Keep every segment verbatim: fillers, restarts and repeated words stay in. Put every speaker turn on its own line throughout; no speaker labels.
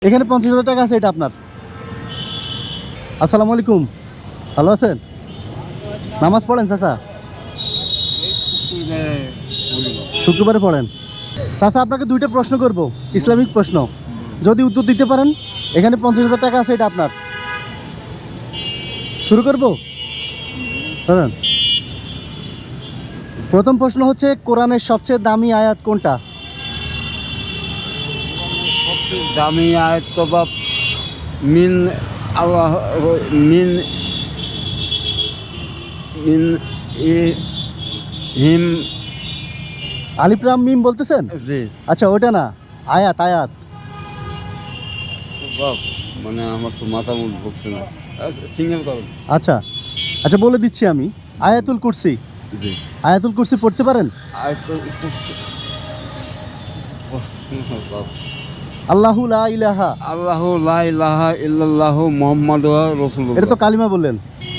এখানে পঞ্চাশ হাজার টাকা আছে, এটা আপনার। আসসালামু আলাইকুম, ভালো আছেন? নামাজ পড়েন চাচা? শুক্রবারে পড়েন। চাচা আপনাকে দুইটা প্রশ্ন করব, ইসলামিক প্রশ্ন। যদি উত্তর দিতে পারেন, এখানে পঞ্চাশ হাজার টাকা আছে, এটা আপনার। শুরু করব? ধরেন, প্রথম প্রশ্ন হচ্ছে, কোরআনের সবচেয়ে দামি আয়াত কোনটা?
দামি আয়াত তো বাপ মিন আল্লাহ মিন মিন ই হিম
আলিফ লাম মিম বলতেছেন?
জি
আচ্ছা, ওটা না, আয়াত আয়াত।
বাপ মানে আমার তো মাথা মুখ ঢুকছে না, সিঙ্গেল করুন।
আচ্ছা আচ্ছা, বলে দিচ্ছি আমি। আয়াতুল কুরসি।
জি
আয়াতুল কুরসি পড়তে পারেন?
আয়াতুল কুরসি। বাপ
আল্লাহু লা ইলাহা,
আল্লাহু লা ইলাহা ইল্লাল্লাহু মুহাম্মাদুর রাসূলুল্লাহ।
এটা তো কালিমা বললেন।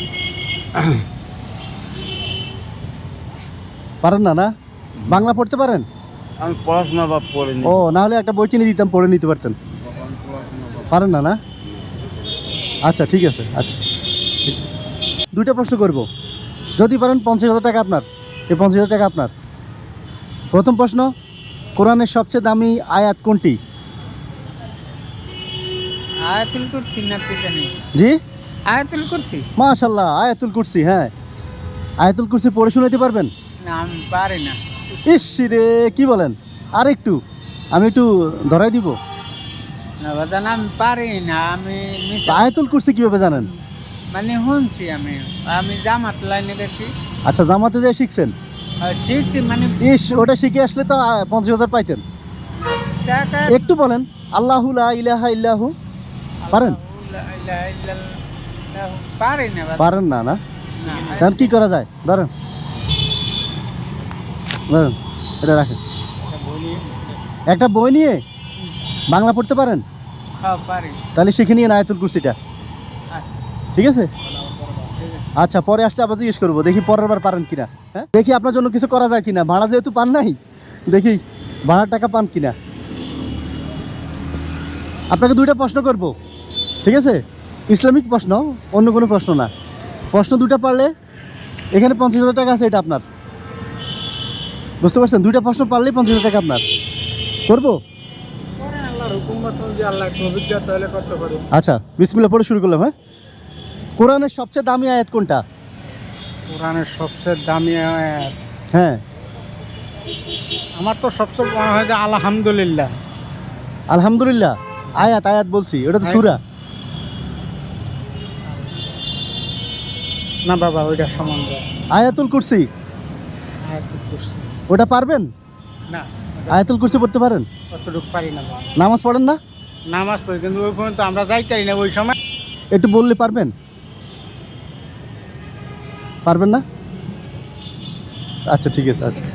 পারেন না? না, বাংলা পড়তে পারেন?
আমি পড়াশোনা বাপ পড়িনি।
ও, না হলে একটা বই কিনে দিতাম, পড়ে নিতে পারতেন। পারেন না? না, আচ্ছা ঠিক আছে। আচ্ছা, দুইটা প্রশ্ন করব, যদি পারেন পঞ্চাশ হাজার টাকা আপনার। এই পঞ্চাশ হাজার টাকা আপনার। প্রথম প্রশ্ন, কোরআনের সবচেয়ে দামি আয়াত কোনটি?
আয়াতুল কুরসি না কি জানি?
জি,
আয়াতুল কুরসি।
মাশাআল্লাহ, আয়াতুল কুরসি। হ্যাঁ, আয়াতুল কুরসি পড়ে শোনাতে পারবেন?
না, আমি পারি না।
ইস রে, কি বলেন? আর একটু, আমি একটু ধরাই দিব।
না বাজান, আমি পারি না। আমি মিস-
আয়াতুল কুরসি কিভাবে জানেন?
মানে শুনছি আমি আমি জামাত লাইনে গেছি,
আচ্ছা, জামাতে যেয়ে শিখছেন?
আর শিখছি মানে
ইস, ওটা শিখে আসলে তো আহ, পঞ্চাশ হাজার পাইতেন।
টাকা।
একটু বলেন, আল্লাহু লা ইলাহা ইল্লাহু। পারেন?
পারি না বাজান।
পারেন না? না,
না,
তখন কি করা যায়? ধরেন ধরেন, এটা রাখেন। একটা বই নিয়ে বাংলা পড়তে পারেন?
হ্যাঁ, পারি।
তাহলে শিখে নিয়ে আয়াতুল কুরসিটা।
আচ্ছা,
ঠিক আছে?
ঠিক আছে।
আচ্ছা, পরে আসলে আবার জিজ্ঞেস করবো, দেখি পরের বার পারেন কিনা। হ্যাঁ, দেখি আপনার জন্য কিছু করা যায় কিনা। ভাড়া যেহেতু পান নাই, দেখি ভাড়ার টাকা পান কিনা। আপনাকে দুইটা প্রশ্ন করব, ঠিক আছে? ইসলামিক প্রশ্ন, অন্য কোনো প্রশ্ন না। প্রশ্ন দুটা পারলে এখানে পঞ্চাশ হাজার টাকা আছে, এটা আপনার। বুঝতে পারছেন? দুইটা প্রশ্ন পারলেই পঞ্চাশ হাজার টাকা আপনার। করবো?
করেন, আল্লাহর হুকুম মতো যদি আল্লাহ একটু অভিজ্ঞতা হলে করতে পারি।
আচ্ছা, বিসমিল্লাহ পড়ে শুরু করলাম। হ্যাঁ, কোরআনের সবচেয়ে দামি আয়াত কোনটা?
কোরআনের সবচেয়ে দামি আয়াত
হ্যাঁ,
আমার তো সবচেয়ে মনে হয় যে আলহামদুলিল্লাহ।
আলহামদুলিল্লাহ। আয়াত আয়াত বলছি, ওটা তো সূরা।
না বাবা, ওইটা সম্বন্ধে
আয়াতুল কুরসি,
আয়াতুল কুরসি।
ওটা পারবেন?
না,
আয়াতুল কুরসি পড়তে পারেন?
অতটুকু পারি না বাবা।
নামাজ পড়েন না?
নামাজ পড়ি, কিন্তু ওই পর্যন্ত আমরা যাইতারি না ওই সময়।
একটু বললে পারবেন? পারবেন না? আচ্ছা ঠিক আছে। আচ্ছা,